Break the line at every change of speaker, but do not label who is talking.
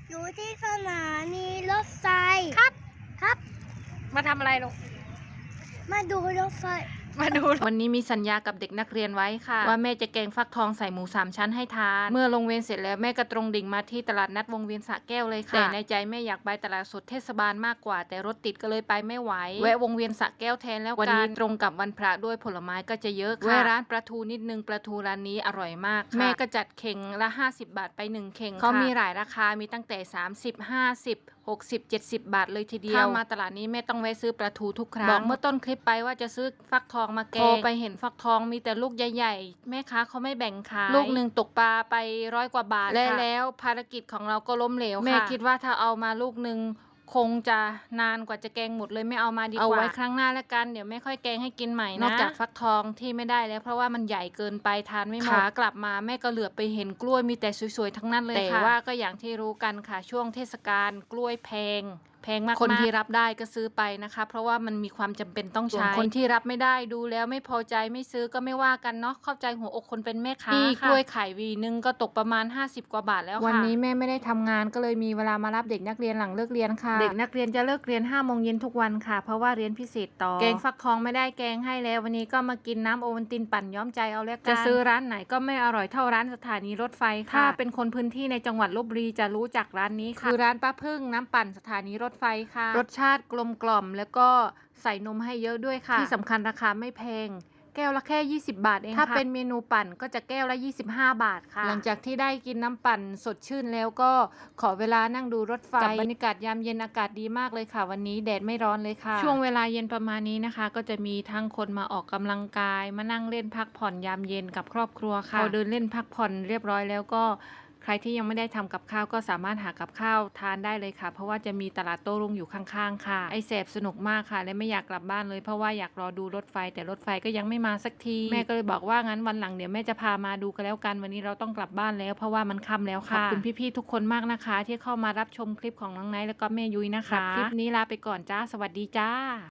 อยู่ที่สถานีรถไฟ
ครับ
ครับ
มาทำอะไรลูก
มาดูรถไฟ
มาดูวันนี้มีสัญญากับเด็กนักเรียนไว้ค่ะว่าแม่จะแกงฟักทองใส่หมู3 ชั้นให้ทานเมื่อลงเวรเสร็จแล้วแม่ก็ตรงดิ่งมาที่ตลาดนัดวงเวียนสระแก้วเลยค่ะแต่ในใจแม่อยากไปตลาดสดเทศบาลมากกว่าแต่รถติดก็เลยไปไม่ไหวแวะวงเวียนสระแก้วแทนแล้ววันนี้ตรงกับวันพระด้วยผลไม้ก็จะเยอะค่ะแวะร้านปลาทูนิดนึงปลาทูร้านนี้อร่อยมากแม่ก็จัดเข่งละ50 บาทไป1 เข่งเขามีหลายราคามีตั้งแต่30 50 60 70 บาทเลยทีเดียวถ้ามาตลาดนี้แม่ต้องแวะซื้อปลาทูทุกครั้งบอกเมื่อต้นคลิปไปว่าจะซื้อฟักทองมาแกงไปเห็นฟักทองมีแต่ลูกใหญ่ๆแม่ค้าเขาไม่แบ่งขายลูกหนึ่งตกปลาไป100 กว่าบาทแล้วภารกิจของเราก็ล้มเหลวค่ะแม่คิดว่าถ้าเอามาลูกหนึ่งคงจะนานกว่าจะแกงหมดเลยไม่เอามาดีกว่าเอาไว้ครั้งหน้าแล้วกันเดี๋ยวไม่ค่อยแกงให้กินใหม่นะนอกจากฟักทองที่ไม่ได้แล้วเพราะว่ามันใหญ่เกินไปทานไม่หมดขากลับมาแม่ก็เหลือบไปเห็นกล้วยมีแต่สวยๆทั้งนั้นเลยค่ะแต่ว่าก็อย่างที่รู้กันค่ะช่วงเทศกาลกล้วยแพงมากคนที่รับได้ก็ซื้อไปนะคะเพราะว่ามันมีความจำเป็นต้องใช้คนที่รับไม่ได้ดูแล้วไม่พอใจไม่ซื้อก็ไม่ว่ากันเนาะเข้าใจหัวอกคนเป็นแม่ค้าค่ะกล้วยไข่วีนึงก็ตกประมาณ50 กว่าบาทแล้วค่ะวันนี้แม่ไม่ได้ทำงานก็เลยมีเวลามารับเด็กนักเรียนหลังเลิกเรียนค่ะเด็กนักเรียนจะเลิกเรียน5 โมงเย็นทุกวันค่ะเพราะว่าเรียนพิเศษต่อแกงฟักทองไม่ได้แกงให้แล้ววันนี้ก็มากินน้ำโอวัลตินปั่นย้อมใจเอาแล้วกันจะซื้อร้านไหนก็ไม่อร่อยเท่าร้านสถานีรถไฟค่ะถ้าเป็นคนพื้นที่ในจังหวัดลพบุรีจะรู้จักร้านนี้ค่ะคือร้านป้าพึ่งน้ำปั่นสถานีรถไฟค่ะรสชาติกลมกล่อมแล้วก็ใส่นมให้เยอะด้วยค่ะที่สำคัญราคาไม่แพงแก้วละแค่20 บาทเองค่ะถ้าเป็นเมนูปั่นก็จะแก้วละ25 บาทค่ะหลังจากที่ได้กินน้ำปั่นสดชื่นแล้วก็ขอเวลานั่งดูรถไฟกับบรรยากาศยามเย็นอากาศดีมากเลยค่ะวันนี้แดดไม่ร้อนเลยค่ะช่วงเวลาเย็นประมาณนี้นะคะก็จะมีทั้งคนมาออกกำลังกายมานั่งเล่นพักผ่อนยามเย็นกับครอบครัวค่ะพอเดินเล่นพักผ่อนเรียบร้อยแล้วก็ใครที่ยังไม่ได้ทำกับข้าวก็สามารถหากับข้าวทานได้เลยค่ะเพราะว่าจะมีตลาดโต้รุ่งอยู่ข้างๆค่ะไอแสบสนุกมากค่ะและไม่อยากกลับบ้านเลยเพราะว่าอยากรอดูรถไฟแต่รถไฟก็ยังไม่มาสักทีแม่ก็เลยบอกว่างั้นวันหลังเดี๋ยวแม่จะพามาดูกันแล้วกันวันนี้เราต้องกลับบ้านแล้วเพราะว่ามันค่ำแล้วค่ะขอบคุณพี่ๆทุกคนมากนะคะที่เข้ามารับชมคลิปของน้องไนท์แล้วก็แม่ยุ้ยนะคะคลิปนี้ลาไปก่อนจ้าสวัสดีจ้า